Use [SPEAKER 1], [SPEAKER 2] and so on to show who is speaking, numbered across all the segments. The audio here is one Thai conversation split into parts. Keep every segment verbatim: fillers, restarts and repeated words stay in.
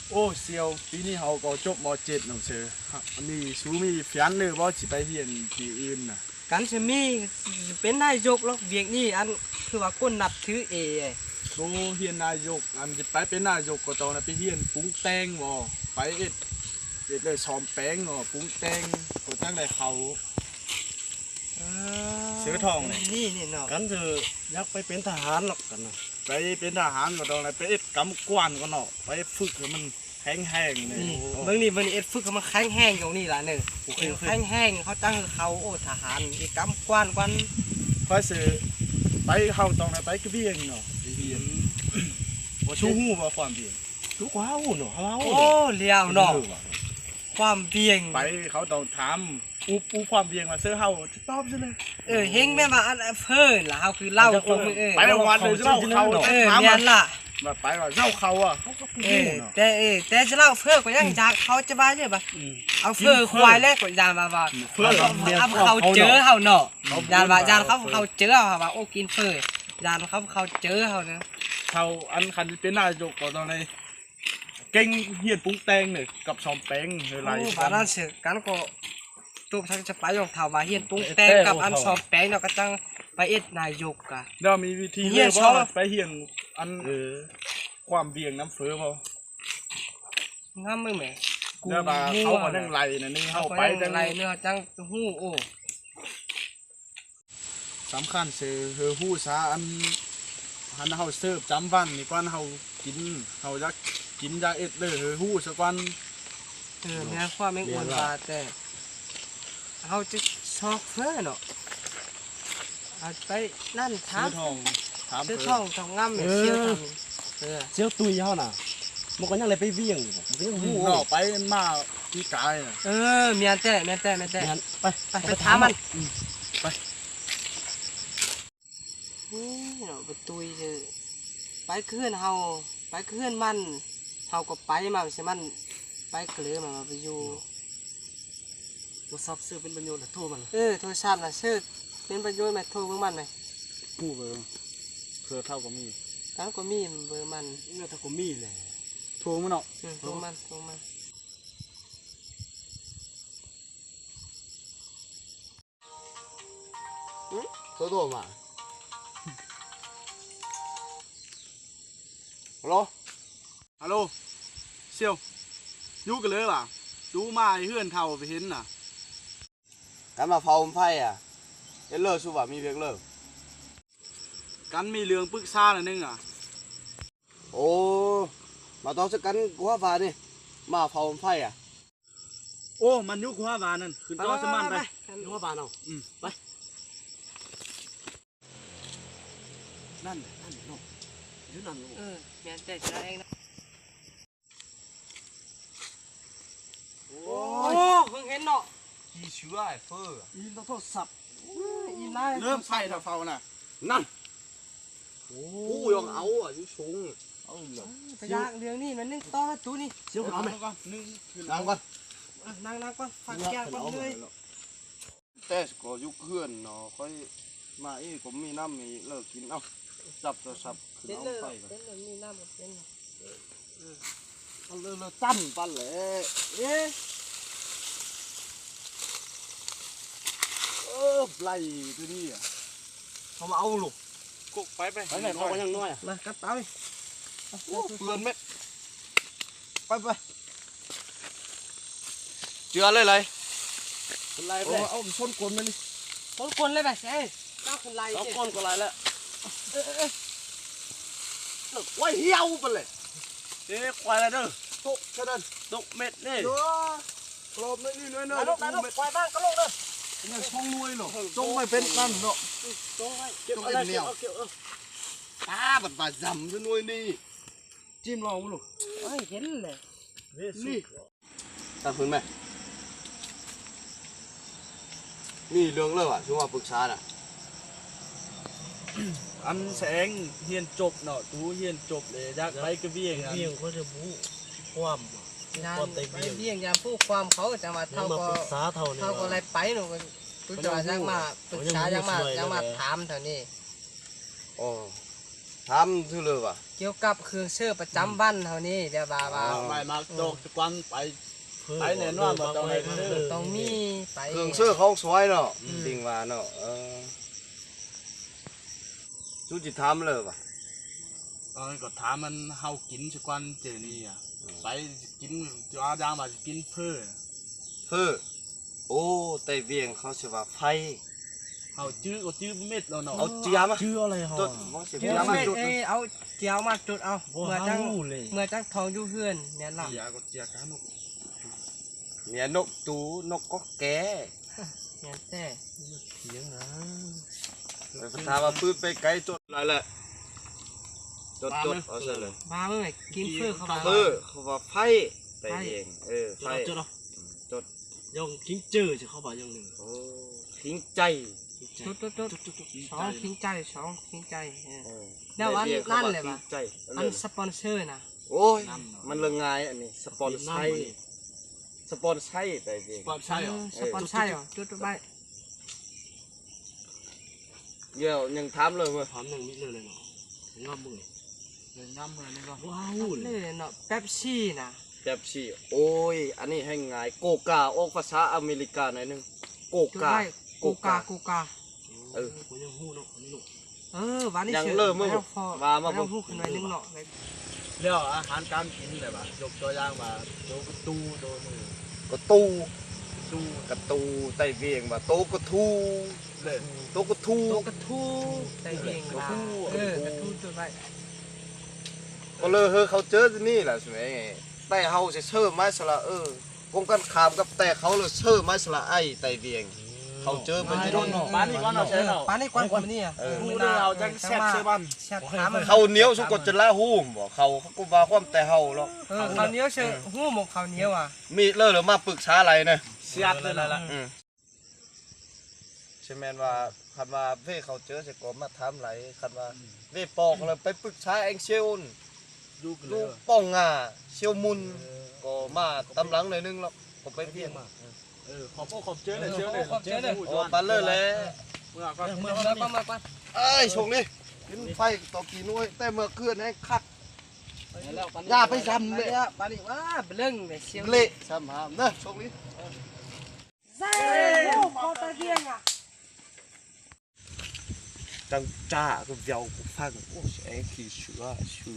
[SPEAKER 1] โอ้เซียวปีนี้เขาก็จบม .เจ็ด หนังสือมีสูมีแฟนเลยว่าสิไปเรียนที่อื่นน่ะ
[SPEAKER 2] กันจะมีเป็นนายกหรอกเวียกนี้อันคือว่าก้นนับถือเอ
[SPEAKER 1] โตเรียนนายกอันจะไปเป็นนายกก็ต้องไปเรียนปรุงแต่งบ่ไปเอ็ดเอ็ดเลยซ้อมแป้งบ่ปรุงแต่งก็ตั้งแต่เขาเสือทอง
[SPEAKER 2] นี่นี่เนาะ
[SPEAKER 3] กันจะอยากไปเป็นทหารหรอกกันนะ
[SPEAKER 1] ไปเป็นทหารก็ต้องไปเอ็ดกำกวนก็เนาะไปฝึกให้มันแข็งแห้งนี่
[SPEAKER 2] เมื่อนี้เมื่อนี้เอ็ดฝึกให้มันแข็งแห้งอย่างนี้ล่ะหนึ่งแข็งแห้งเขาตั้งเขาโอ้ทหารอีกกำกวนกัน
[SPEAKER 1] พอสือไปเขาต้องไปกระเบียงเนาะกระเบียงว่าชูหูว่าความเบียง
[SPEAKER 3] ชูว้าวเนาะว้าว
[SPEAKER 2] โอ้เลี้ยวเนาะความเบียง
[SPEAKER 1] ไปเขาต้องถามอูปูความเบียงมาเสื้อเฮาตอบซะเลย
[SPEAKER 2] เออเฮงแม่มาอันเพิ่นล่ะเฮาคือเล่าตรงเออ
[SPEAKER 1] ไปวันเลยเล่าเขา
[SPEAKER 2] เออแม่นล่ะ
[SPEAKER 1] มาไปว่าเล่าเขาอ่ะเขาก็พูดเนาะ
[SPEAKER 2] แต่เออแต่จะเล่าเพิ่นก็ยังจากเขาจะว่าใช่ป่ะเอาเพิ่นควายแรกก็ยานมาว่าเพิ่นเอาเขาเจอเฮาเนาะยานว่ายานเขาเขาเจอเฮาว่าโอ้กินเพิ่นยานเขาเขาเจอเฮาเนาะ
[SPEAKER 1] เขาอันคันเป็นนายกก็ตอนนี้เก่งเฮียนปรุงแต่งเนี่ยกับซ้อมแป้งอะไร
[SPEAKER 2] บาดนั้นเสือกันก็ตุกทั้งจะไปยองถามว่าเฮียนปรุงแต่งกับอันซ้อมแป้งเนาะก็จังไปเอ็ดนายกกะ
[SPEAKER 1] เดี๋ยวมีวิธีเฮียนว่าไปเฮียนอันความเบี่ยงน้ำเฟ้อเขา
[SPEAKER 2] งามมึงแม่
[SPEAKER 1] เดี๋ยวมาเขาก็นั่งไล่นะนี่เขาไป
[SPEAKER 2] จังไรเนื้อจังหู้โอ้
[SPEAKER 1] สำคัญเสือเฮอหู้ซาอันฮันเขาเสิร์ฟจำวันนี่ก่อนเขากินเขาจะกินยาเอ็ดเลยเฮอหู้สักวัน
[SPEAKER 2] เออแม่ความไม่อ้วนบาแต่เขาจะชอบเฟ้อเนาะเอาไปนั่นถาม
[SPEAKER 1] ทอง
[SPEAKER 2] ซื้อทองทองงามเชี่ยวทำ
[SPEAKER 3] เออเชี่ยวตุยเขาน่ะมันก็ยังเลยไปเวี่ยงเวี่ยงหู
[SPEAKER 1] เนาะไปมาที่กาย
[SPEAKER 2] เออเมียนแต่เมียนแต่เมียนแต่
[SPEAKER 3] ไป
[SPEAKER 2] ไปไปถามมัน
[SPEAKER 1] ไป
[SPEAKER 2] นี่เนาะไปตุยเลยไปเคลื่อนเฮาไปเคลื่อนมันเฮาก็ไปมาใช่มันไปเกลือมาไปอยู่
[SPEAKER 3] โทรศัพท์ซื้อเป็นประโยชน์โทรมัน
[SPEAKER 2] เออโทรศัพท์น่ะซื้อเป็นประโยชน์ไหมโทรเบอร์มันไหม
[SPEAKER 1] ผู้เบอร์เพื่อเท่าก็มี
[SPEAKER 2] เท่าก็มีเบอร์มัน
[SPEAKER 3] เนื้อเท่าก็มีเลย
[SPEAKER 1] โทรมันเนาะ
[SPEAKER 2] โทรมันโทรมัน
[SPEAKER 3] โทรโทรมาฮัลโหล
[SPEAKER 1] ฮัลโหลเซียวยูกันเลยป่ะดูมาเฮือนเท่าไปเห็นน่ะ
[SPEAKER 3] กันมาเผาไฟอ่ะเอเลอร์สุว่ามีเพียงเลิก
[SPEAKER 1] กันมีเรื่องปรึกษาหน่อยนึงอ่ะ
[SPEAKER 3] โอ้มาต้องสักกันกัวฟ้านี่มาเผาไฟอ่ะ
[SPEAKER 1] โอ้มันยุคหัวบานนั่นขึ้นต่อสมันไป
[SPEAKER 3] หัวบานเอา
[SPEAKER 1] อืมไป
[SPEAKER 3] นั่นนั่นเนาะยืนนั่น
[SPEAKER 2] เออแม่แต่จะเองนะโอ้เพิ่งเห็นเนาะ
[SPEAKER 3] อีชื่อไอ้เฟอร์
[SPEAKER 1] อีต้องโทษสับ
[SPEAKER 2] อีไล่
[SPEAKER 1] เริ่มใส่ถ้าเฝ้าน่ะ
[SPEAKER 3] นั่นโอ้ยองเอาอ่ะยูชง
[SPEAKER 1] เอาเหรอ
[SPEAKER 2] พยากเรื่องนี้มันนึงต่อตู้นี่
[SPEAKER 3] เสียวเอาไหม
[SPEAKER 1] นึ่ง
[SPEAKER 3] นั่งก่อน
[SPEAKER 2] นั่งนั่งก่อนฟังแก้วก่อนเลย
[SPEAKER 3] แต่ก็ยุคเพื่อนเนาะค่อยมาอีผมมีน้ำมีเลิกกินเอาจับตัวสับขึ้นเอาไฟกัน
[SPEAKER 2] เป็นเลยมีน้ำเป็น
[SPEAKER 3] เอาเลิกตั้มปั้นเลยเอ๊ะเออไล่ตัวนี้อ่ะเขามาเอาลูก
[SPEAKER 1] กุกไปไป
[SPEAKER 3] ไปไหนเขาก็ยังน้อยอ่ะ
[SPEAKER 2] มากัดเต้า
[SPEAKER 3] โอ้เปลือนเม็ดไปไปเจือเลยเลยคนไล่ไปเอาส้นกลนมานี่
[SPEAKER 2] ส้นกลนเลยไปเอ้เจ้าคนไล่
[SPEAKER 3] ส้นกลนก็ไล่แล้วเอ๊ะเอ๊ะไว้เหี้ยวไปเลยเอ๊ะควายอะไรเด้อตกกระเด็นตกเม็ดนี่กรอบนี่นี่น้อยน้อย
[SPEAKER 2] ตกตกควายบ้านก็ลงเด้อ
[SPEAKER 3] เนี่ยช่องมวยหรอจงไม่เป็นนั่นเนาะ
[SPEAKER 2] จงไว้
[SPEAKER 3] เก็บอะไรเก็บเอาเก็บเออตาบัดบาดจำจะนวยนี่จิ้มลองลูก
[SPEAKER 2] เฮ้ยเห็นเลย
[SPEAKER 3] นี่ตั้งพื้นไหมนี่เรื่องเรื่องอ่ะช่วงมาปรึกษาน่ะ
[SPEAKER 1] อันแสงเฮียนจบเนาะตูเฮียนจบเลยยักไปกระเบียง
[SPEAKER 3] เบียงเขาจะบู๊ความ
[SPEAKER 2] งานไปเบี้ยงยามผู้ความเขาจะมาเท่าก็เท่าก็อะไรไปหนูก็จะมายังมาปรึกษายังมายังมาถามเท่านี้
[SPEAKER 3] อ๋อทำทุเลยว่ะ
[SPEAKER 2] เกี่ยวกับเครื่องเชื่อประจำวันเฮานี่เดี๋ยวว่าว่า
[SPEAKER 1] ไม่มาโดกทุกวันไปไปแน่นอนว่าต้องให้ซื้อ
[SPEAKER 2] ต้องมีไป
[SPEAKER 3] เครื่องเสื้อของสวยเนาะจริงว่าเนาะเออสุจิทำเลยว่ะ
[SPEAKER 1] ตอนก็ถามมันเฮากินทุกวันเจนี่อ่ะไปกินจ้าจางมากินเพื่อ
[SPEAKER 3] เพื่อโอ้แต่เวียงเขาสิว่าไฟ
[SPEAKER 1] เฮาจื้อก็จื้อเม็ดแล้วเนาะ
[SPEAKER 3] เอาเจียม
[SPEAKER 4] ชื่ออะไรหอ
[SPEAKER 3] จุดว่าสิ
[SPEAKER 2] เกี่ยว
[SPEAKER 3] เจียม
[SPEAKER 2] มา
[SPEAKER 3] จุด
[SPEAKER 2] เอ้ยเอาเจียวมาจุดเอา
[SPEAKER 4] บ่
[SPEAKER 2] เมื่อจัง
[SPEAKER 4] รู้เลย
[SPEAKER 2] เมื่อจังทองอยู่เฮือนแม่นล่ะ
[SPEAKER 1] เจียก็เจียกันนก
[SPEAKER 3] เนี่ยนกตูนกก็แก่
[SPEAKER 2] แม่นแต่
[SPEAKER 4] เสียงนะ
[SPEAKER 3] ไปถามว่าปืนไปไกลจุดอะไรแหละจุดจุดเอาซะเลย
[SPEAKER 2] มาเมื่อไหร่กินเพื่อเข้ามา
[SPEAKER 3] เพื่อเขาว่าไฟแต่เองเออไฟ
[SPEAKER 4] จุดเนาะ
[SPEAKER 3] จุด
[SPEAKER 4] ยองทิ้งเจอจะเข้าไปยังหนึ่ง
[SPEAKER 3] โอ้ทิ้งใจ
[SPEAKER 2] จุดจุดจุดสองทิ้งใจสองทิ้งใจเออ
[SPEAKER 3] เออ
[SPEAKER 2] เดี๋ยวอัน
[SPEAKER 3] แต่วีง
[SPEAKER 2] นั่น
[SPEAKER 3] ขาว่า
[SPEAKER 2] เลย
[SPEAKER 3] ทิ้
[SPEAKER 2] วะ
[SPEAKER 3] งใจ
[SPEAKER 2] อันสปอนเซอร์นะ
[SPEAKER 3] โอ้ยมันเรื่องง่ายอันนี้สปอนไซร์สปอนไซร์แต่เอง
[SPEAKER 1] ปลอดใช่หรอ
[SPEAKER 2] สปอนเซอร์เหรอจุดจุดไป
[SPEAKER 3] เดี๋ยวยังถามเลยมั้ย
[SPEAKER 4] พร้อมหนึ่งมิตรเลยเนาะงามมือ
[SPEAKER 1] เลยน้ำเลยนี่ก็
[SPEAKER 4] ว้าว
[SPEAKER 2] เล
[SPEAKER 4] เลย
[SPEAKER 2] ยเนาะเป๊ปซี่นะ
[SPEAKER 3] แบบสี่โอ้ยอันนี้ให้ง่ายโกกาออกภาษาอเมริกาหน่อยหนึงโก
[SPEAKER 2] จุด
[SPEAKER 3] กา
[SPEAKER 2] ไปกูกากูกา
[SPEAKER 3] เออ
[SPEAKER 4] ผมยังหู้เนาะนี่ลูก
[SPEAKER 2] เออวันนี้
[SPEAKER 3] ยัง
[SPEAKER 2] เชื่
[SPEAKER 3] เริ่มมั้ย
[SPEAKER 2] แล้วพอ
[SPEAKER 3] ว่ามาบ่
[SPEAKER 2] แล้วพูดขึ้นไว้นึงเนาะ
[SPEAKER 1] เรื่องอาหารการกินเลยป่ะยกตัวอย่างมาโดกตูโดมือก
[SPEAKER 3] ระตู
[SPEAKER 1] ตู
[SPEAKER 3] กระตูไตเวียงว่าโตกระทู
[SPEAKER 1] เลย
[SPEAKER 3] โตกระทู
[SPEAKER 2] โตกระทูใจเองว่าเออกระทูจุดไป
[SPEAKER 3] ก็เลยเฮ้ยเขาเจอที่นี่แหละใช่ไหมแต่เฮาจะเชื่อไม้สละเออกงกันขามกับแต่เขาเลยเชื่อไม้สละไอ้ไตเวียง เขาเจอมันจะโดน
[SPEAKER 1] บ้านนี้ก่อนเราใช้เรา
[SPEAKER 2] ป้านี่กวนคนนี้อ่ะ
[SPEAKER 1] หูเรื่องเราจังแซ่บเสื้อบ้าน
[SPEAKER 2] แซ่บถามมัน
[SPEAKER 3] เขาเหนียวสุกดจะละหูมบอกเขาเขาก็ว่าความแต่เฮาหรอก
[SPEAKER 2] เออข้าวเหนียวเชื่อหูหมกข้าวเหนียวอ่ะ
[SPEAKER 3] มีเลิกหรือมาปรึกษาอะไรเนี่ย
[SPEAKER 1] เสียดเลยล่ะ
[SPEAKER 3] อืมใช่แมนว่าคันว่าเว่เขาเจอเสกก็มาถามไหลคันว่าเว่ปอกเลยไปปรึกษาเองเชียว
[SPEAKER 1] ดูกันเล
[SPEAKER 3] ลู
[SPEAKER 1] ย
[SPEAKER 3] กป้องงาเชียวมุนก็มาตำหลังหน่อยนึงแล้วผมไปเพียง
[SPEAKER 1] เออขอบขอบเจอเลยเชียวเลย
[SPEAKER 3] โอ้ปันเลยแหละ
[SPEAKER 1] เมื่อก็
[SPEAKER 2] เมื่อเมื่อก่อนเมื่อก่อน
[SPEAKER 3] เอ้ยชงนี่กินไฟต่อกี่หน่วยแต่เมื่อคืนให้คักอย่าไปซ้ำเลย
[SPEAKER 2] ป้านี่ว่าเรื่องเนี่ยเชียว
[SPEAKER 3] เละซ้ำหามเนอะชงนี่
[SPEAKER 2] ใช่โอ้พอตะเกียงอ่ะ
[SPEAKER 3] จังจ้าก็เวียวกูฟังโอ้แสงขี้เชือชู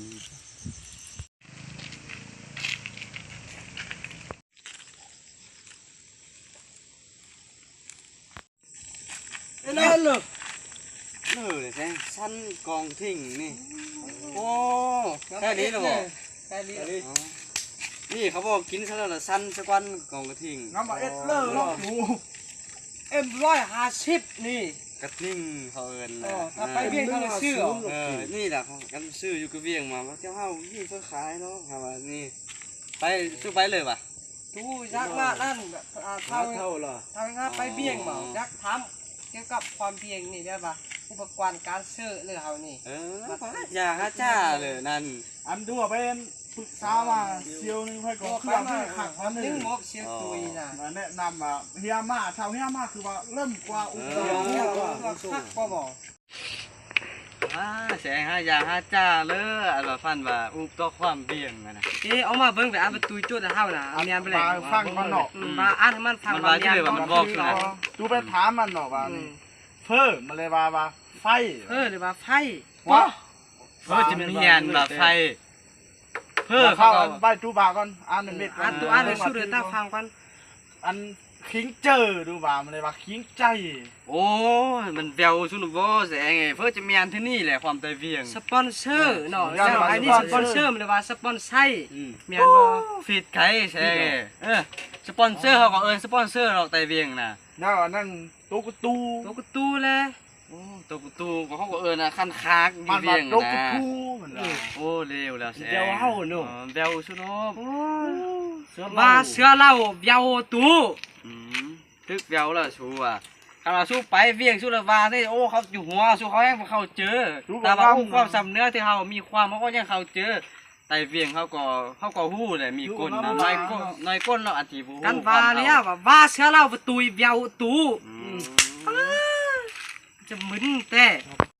[SPEAKER 2] นั่นเลย
[SPEAKER 3] เออแสงสั้นกองทิ้งนี่โอ้
[SPEAKER 2] แค่นี้เหรอแค่นี้
[SPEAKER 3] นี่เขาบอกกินซะแล้วละสั้นสักวันกองกระทิง
[SPEAKER 1] น้ำมาเอ็ดเลอร์ลอกดู
[SPEAKER 2] เอ็มร้อยห้าสิบนี่
[SPEAKER 3] กระทิงเขาเอิน
[SPEAKER 2] อ๋
[SPEAKER 3] นะ
[SPEAKER 2] อถ้าไปเบี้ยงทางชื่อเหรอ
[SPEAKER 3] เออนี่แหละเขากันซื้ออยู่กระเวียงมาว่าเจ้าเฮานี่เพื่อขายเนาะครับว่านี่ไปซื้อไปเลยป่ะ
[SPEAKER 2] ทูยักษ์มานั่นแบบอ่าเท่า
[SPEAKER 1] เท่าเหรอ
[SPEAKER 2] ทางห้าไปเบี้ยงเมายักษ์ทำเกี่ยวกับความเบี้ยงนี่ได้ปะอุปกรณ์การซื้อเรื่องเขานี่
[SPEAKER 3] เอออย่าฮะจ้าเลยนั่น
[SPEAKER 1] อันดูว่าเป็นปรึกษามาเชียวนึงให้ก่อนเครื่องให้ขักพันห
[SPEAKER 2] นึ
[SPEAKER 1] นึ่
[SPEAKER 2] ง
[SPEAKER 1] ง
[SPEAKER 2] งบเชียวตุยนะ
[SPEAKER 1] มาแนะนำอ่ะเฮียมาเท่าเฮียมาคือว่าเริ่มกว่าอุปกร
[SPEAKER 2] เดี๋ยว
[SPEAKER 1] ณ์
[SPEAKER 2] เดี๋ยวเราคักก็บอก
[SPEAKER 3] อ่าแสงฮะอย่าฮะจ้าเลยอันว่าฟันว่าอุปต่อความเบี่ยงอะนะ
[SPEAKER 2] เอ๊ะเอามาเบิ่งไปอ่านประตูจุดเท่าน่ะเอาเนียนไปเลย
[SPEAKER 1] ฟังมันเนาะ
[SPEAKER 2] มาอ่านให้มันฟัง
[SPEAKER 3] มันว่าชื่อว่ามันบอกอยู่นะ
[SPEAKER 1] ดูไปถามมันเนาะว่านี่เพิ่มมาเลยว่าว่าไฟ
[SPEAKER 2] เออหรือว่าไฟ
[SPEAKER 1] วะ
[SPEAKER 3] เพื่อจะเมียนแบบไฟเพื่อ
[SPEAKER 1] เข้า
[SPEAKER 3] เขา
[SPEAKER 1] ใบจูบาก่อนอ่านเม็ด
[SPEAKER 2] อ่านตัวอ่านเลยสู้เลยตาฟังกัน
[SPEAKER 1] อันคิงเจอดูบ่ามันเลยว่าคิงใจ
[SPEAKER 3] โอ้ยมันเบลชุนบ่แสงไงเพื่อจะเมียนที่นี่แหละความใจเบี่ยง
[SPEAKER 2] สปอนเซอร์เนาะเจ้าไอ้นี่สปอนเซอร์มันเลยว่าสปอนไซร์เมียนบ่
[SPEAKER 3] ฟีดไข่แสงเออสปอนเซอร์เขาก็เอินสปอนเซอร์เราใจเบี่ยงนะ
[SPEAKER 1] แล้วนั่นตุ๊กตู
[SPEAKER 2] ตัวกระตูเลย
[SPEAKER 3] โอ้ตัวประตูก็เขาก็เอินนะคันคาก
[SPEAKER 1] มัน
[SPEAKER 3] เบี่
[SPEAKER 1] มาย
[SPEAKER 3] ง
[SPEAKER 1] ตุ๊ก
[SPEAKER 3] นะ
[SPEAKER 1] ตูมันว่า
[SPEAKER 3] โอ้เร็วแล้วแสง
[SPEAKER 4] เดี๋ยวเฮาเนาะ
[SPEAKER 3] เบลชุนบ
[SPEAKER 2] ว่าเสือเหล่าเยาวตู
[SPEAKER 3] อืมตึกเบลแล้วชูอ่ะขณะสู้ไปเบี่ยงสู้ละวาได้โอ้เขาอยู่หัวสู้เขาแห้งเขาเจอแต่ว่าความสำเนื้อที่เขามีความเขาก็ยังเขาเจอแต่เบี่ยงเขาก็เขาก็หู้เลยมีก้นนะน้อยก้นน้อยก้นเราอธิบู
[SPEAKER 2] กันว่าเนี่ยว่าว่าเสือเหล่าประตูเยาวตู
[SPEAKER 3] อืม
[SPEAKER 2] จะมึนแต่
[SPEAKER 1] ต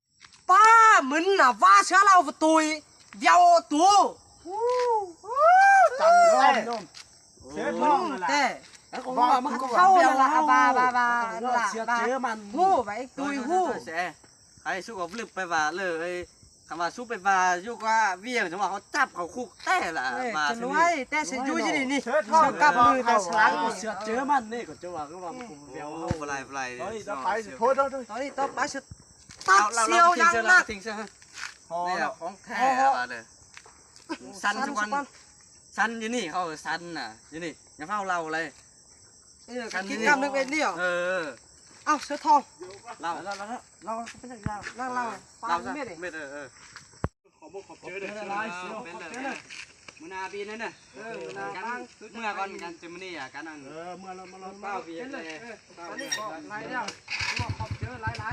[SPEAKER 2] ป้ามึนน่ะว่าเชื้อเราตุยเดียวตู
[SPEAKER 1] จำได้น้องเสียท้องนั่นแหละ
[SPEAKER 2] แต่ว่ามันเข้าละบาบาบาละ
[SPEAKER 4] เสียเจอมัน
[SPEAKER 2] ฮู้ไปตุยฮู้
[SPEAKER 3] แซ่ไอ้สู้กับลึกไปว่าเลยคำว่าสู้ไปว่าอยู่ว่าเวียงจังว่าเขาจับเขาคุกแต่ละมา
[SPEAKER 2] จะรวยแต่ฉันอยู่ที่นี่นี่
[SPEAKER 1] เสียท้อง
[SPEAKER 2] กับมือแต่สลัง
[SPEAKER 4] เสียเจอมันนี่ก็จะว่าก็ว่ากูเดียว
[SPEAKER 3] โอ้บ่ไรบ่ไร
[SPEAKER 1] เฮ้ยจะไปสิโทษโทษโทษ
[SPEAKER 2] ตอนนี้ต้องไปฉันตัดเสียวยังนัก
[SPEAKER 3] ทิ้งซะ
[SPEAKER 1] พอ
[SPEAKER 3] นี่
[SPEAKER 1] แล้ว
[SPEAKER 3] ของแท้ว่าเลยสันทุกวันสันอยู่นี่เขาสันน่ะอยู่นี่อย่าเฝ้าเราเลย
[SPEAKER 2] กินกำนึงเป็นนี่หรอ
[SPEAKER 3] เออ
[SPEAKER 2] เอ้าเสือทอง
[SPEAKER 3] เรา
[SPEAKER 2] เราเราเราเป็นอย่างไรเราเราปา
[SPEAKER 3] เรา
[SPEAKER 2] เม็ดเอง
[SPEAKER 3] เม็ดเออเออ
[SPEAKER 1] ขอบอกขอบเจอเด้อ
[SPEAKER 3] เป็นเลยมือนาบีนั่นน่ะเออมือนากันเมื่อก่อนกันเจมินี่อ่ะกันนั่น
[SPEAKER 1] เออเมื่อเรามาเรา
[SPEAKER 3] เป้าบีเลย
[SPEAKER 2] ตอนนี้ก็ไล่แล้วขอบเจอไล่ไล่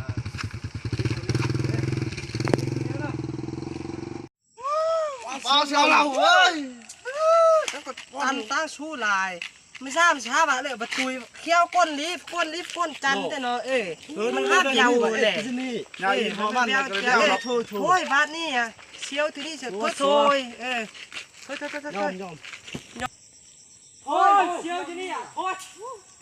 [SPEAKER 1] ฟ้าเสียวเราเฮ้ย
[SPEAKER 2] แล้วก็ตั้งตั้งชู้ลายไม่ทราบช้าบะเลยบะตุยเขี้ยวก้นลีฟก้นลีฟก้นจันแต่เนาะเอ้ยมันห้าเดียวเลย
[SPEAKER 4] ที่นี่
[SPEAKER 1] ยายพอมันก็เลยเอาเราโทษ
[SPEAKER 2] โอ้ยบาดนี่อ่ะเชียวที่นี่เสียโถยเออโถยโถยโถยโถ
[SPEAKER 4] ยอย มยอม
[SPEAKER 2] โอ้ยเชียวที่นี่อ่ะโอ้ย